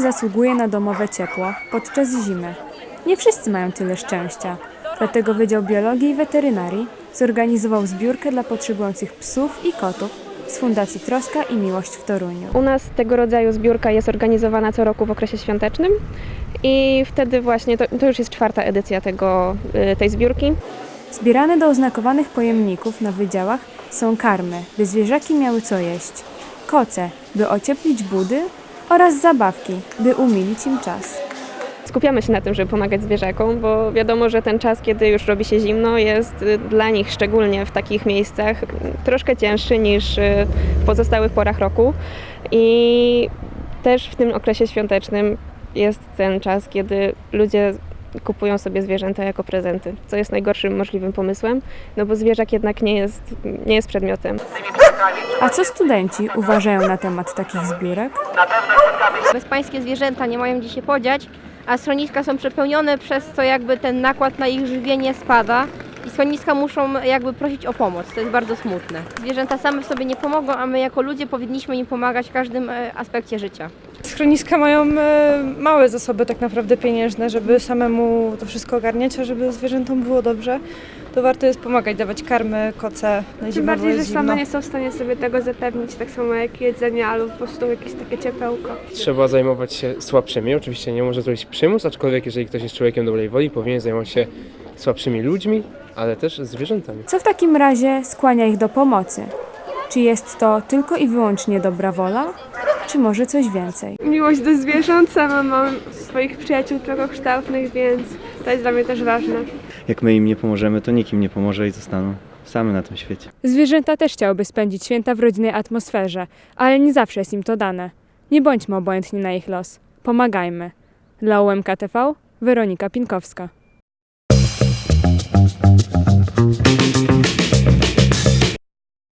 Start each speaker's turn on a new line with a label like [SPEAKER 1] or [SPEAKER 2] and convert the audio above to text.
[SPEAKER 1] zasługuje na domowe ciepło podczas zimy. Nie wszyscy mają tyle szczęścia, dlatego Wydział Biologii i Weterynarii zorganizował zbiórkę dla potrzebujących psów i kotów z Fundacji Troska i Miłość w Toruniu.
[SPEAKER 2] U nas tego rodzaju zbiórka jest organizowana co roku w okresie świątecznym i wtedy właśnie to już jest 4. edycja tej zbiórki.
[SPEAKER 1] Zbierane do oznakowanych pojemników na wydziałach są karmy, by zwierzaki miały co jeść, koce, by ocieplić budy oraz zabawki, by umilić im czas.
[SPEAKER 2] Skupiamy się na tym, żeby pomagać zwierzakom, bo wiadomo, że ten czas, kiedy już robi się zimno, jest dla nich, szczególnie w takich miejscach, troszkę cięższy niż w pozostałych porach roku. I też w tym okresie świątecznym jest ten czas, kiedy ludzie kupują sobie zwierzęta jako prezenty, co jest najgorszym możliwym pomysłem, no bo zwierzak jednak nie jest przedmiotem.
[SPEAKER 1] A co studenci uważają na temat takich zbiórek?
[SPEAKER 3] Bezpańskie zwierzęta nie mają gdzie się podziać, a schroniska są przepełnione, przez co jakby ten nakład na ich żywienie spada i schroniska muszą jakby prosić o pomoc. To jest bardzo smutne. Zwierzęta same w sobie nie pomogą, a my jako ludzie powinniśmy im pomagać w każdym aspekcie życia.
[SPEAKER 4] Schroniska mają małe zasoby tak naprawdę pieniężne, żeby samemu to wszystko ogarniać, a żeby zwierzętom było dobrze, to warto jest pomagać, dawać karmy, koce na zimowo.
[SPEAKER 5] Tym bardziej, że
[SPEAKER 4] jest zimno.
[SPEAKER 5] same nie są w stanie sobie tego zapewnić, tak samo jak jedzenie albo po prostu jakieś takie ciepełko.
[SPEAKER 6] Trzeba zajmować się słabszymi. Oczywiście nie może zrobić przymus, aczkolwiek jeżeli ktoś jest człowiekiem dobrej woli, powinien zajmować się słabszymi ludźmi, ale też zwierzętami.
[SPEAKER 1] Co w takim razie skłania ich do pomocy? Czy jest to tylko i wyłącznie dobra wola, czy może coś więcej?
[SPEAKER 5] Miłość do zwierząt, sama mam swoich przyjaciół człowiekokształtnych, więc to jest dla mnie też ważne.
[SPEAKER 7] Jak my im nie pomożemy, to nikt im nie pomoże i zostaną same na tym świecie.
[SPEAKER 1] Zwierzęta też chciałyby spędzić święta w rodzinnej atmosferze, ale nie zawsze jest im to dane. Nie bądźmy obojętni na ich los. Pomagajmy. Dla UMK TV, Weronika Pinkowska.